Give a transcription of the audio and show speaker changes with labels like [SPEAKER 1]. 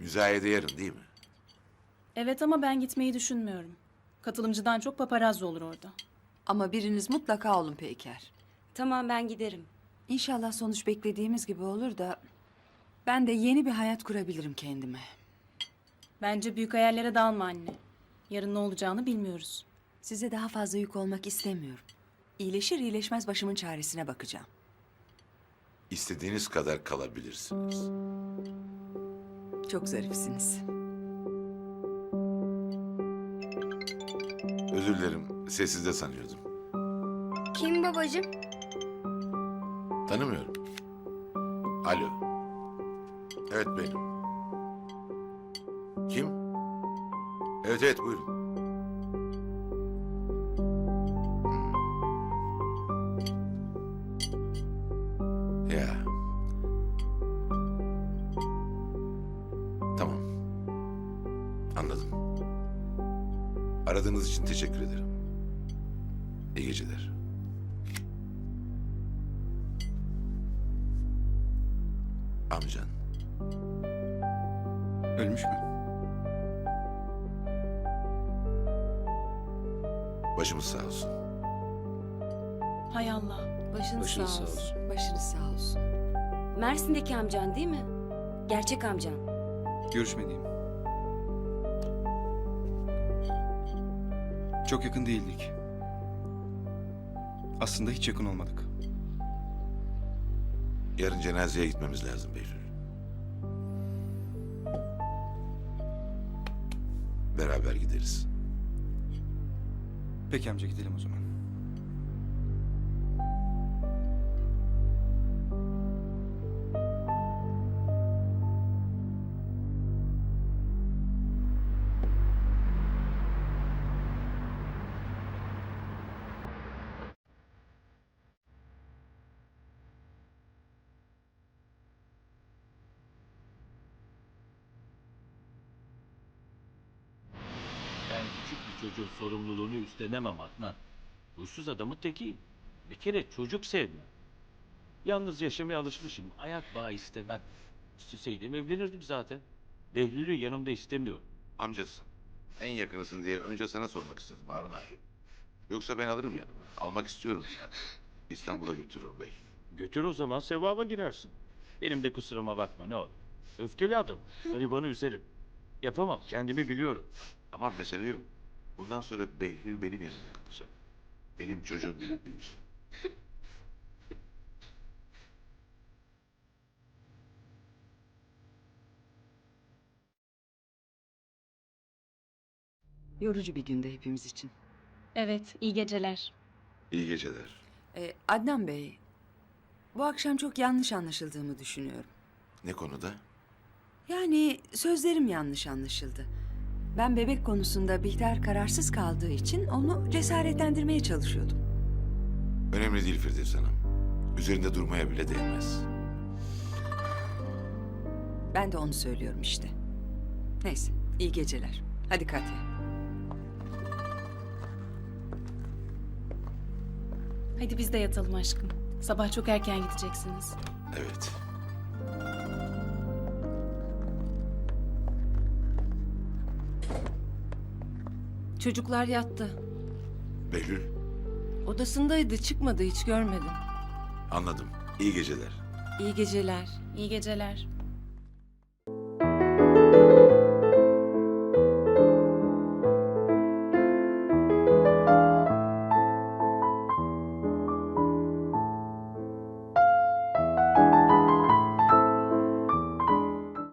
[SPEAKER 1] Müzayede yarın değil mi?
[SPEAKER 2] Evet ama ben gitmeyi düşünmüyorum. Katılımcıdan çok paparazzi olur orada.
[SPEAKER 3] Ama biriniz mutlaka olun Peyker.
[SPEAKER 4] Tamam ben giderim.
[SPEAKER 3] İnşallah sonuç beklediğimiz gibi olur da ben de yeni bir hayat kurabilirim kendime.
[SPEAKER 2] Bence büyük hayallere dalma anne. Yarın ne olacağını bilmiyoruz.
[SPEAKER 3] Size daha fazla yük olmak istemiyorum. İyileşir iyileşmez başımın çaresine bakacağım.
[SPEAKER 1] İstediğiniz kadar kalabilirsiniz.
[SPEAKER 3] Çok zarifsiniz.
[SPEAKER 1] Özür dilerim, sessizde sanıyordum.
[SPEAKER 4] Kim babacığım?
[SPEAKER 1] Tanımıyorum. Alo. Evet benim. Kim? Evet evet buyurun. Ya. Tamam. Anladım. Aradığınız için teşekkür ederim. İyi geceler. Amcan.
[SPEAKER 5] Ölmüş mü?
[SPEAKER 1] Başımız sağ olsun.
[SPEAKER 2] Hay Allah.
[SPEAKER 4] Başınız sağ olsun.
[SPEAKER 3] Başınız sağ olsun.
[SPEAKER 4] Mersin'deki amcan değil mi? Gerçek amcan.
[SPEAKER 5] Görüşmediğim. Çok yakın değildik. Aslında hiç yakın olmadık.
[SPEAKER 1] Yarın cenazeye gitmemiz lazım Behlül. Beraber gideriz.
[SPEAKER 5] Peki amca gidelim o zaman.
[SPEAKER 6] Ben küçük bir çocuğun sorumluluğunu üstlenemem Adnan. Huysuz adamın tekiyim. Bir kere çocuk sevmem. Yalnız yaşamaya alışmışım. Ayak bağı istemem. İsteseydim evlenirdim zaten. Behlül'ü yanımda istemiyorum.
[SPEAKER 1] Amcasın. En yakınısın diye önce sana sormak istedim Harun abi. Yoksa ben alırım yanıma. Almak istiyorum yani. İstanbul'a götürürüm bey.
[SPEAKER 6] Götür o zaman sevaba girersin. Benim de kusuruma bakma ne olur. Öfkeli adam. Garibanı üzerim. Yapamam kendimi biliyorum.
[SPEAKER 1] Ama mesele yok. Bundan sonra Behlül benim yanımda kalacak. Benim çocuğum benim büyüsün.
[SPEAKER 3] Yorucu bir günde hepimiz için.
[SPEAKER 2] Evet, iyi geceler.
[SPEAKER 1] İyi geceler.
[SPEAKER 3] Adnan Bey, bu akşam çok yanlış anlaşıldığımı düşünüyorum.
[SPEAKER 1] Ne konuda?
[SPEAKER 3] Yani sözlerim yanlış anlaşıldı. Ben bebek konusunda Bihter kararsız kaldığı için onu cesaretlendirmeye çalışıyordum.
[SPEAKER 1] Önemli değil Firdevs Hanım. Üzerinde durmaya bile değmez.
[SPEAKER 3] Ben de onu söylüyorum işte. Neyse, iyi geceler. Hadi Katya.
[SPEAKER 2] Hadi biz de yatalım aşkım. Sabah çok erken gideceksiniz.
[SPEAKER 1] Evet.
[SPEAKER 7] Çocuklar yattı.
[SPEAKER 1] Behlül,
[SPEAKER 7] Odasındaydı, çıkmadı, hiç görmedim.
[SPEAKER 1] anladım. İyi geceler.
[SPEAKER 7] İyi geceler.
[SPEAKER 2] İyi geceler.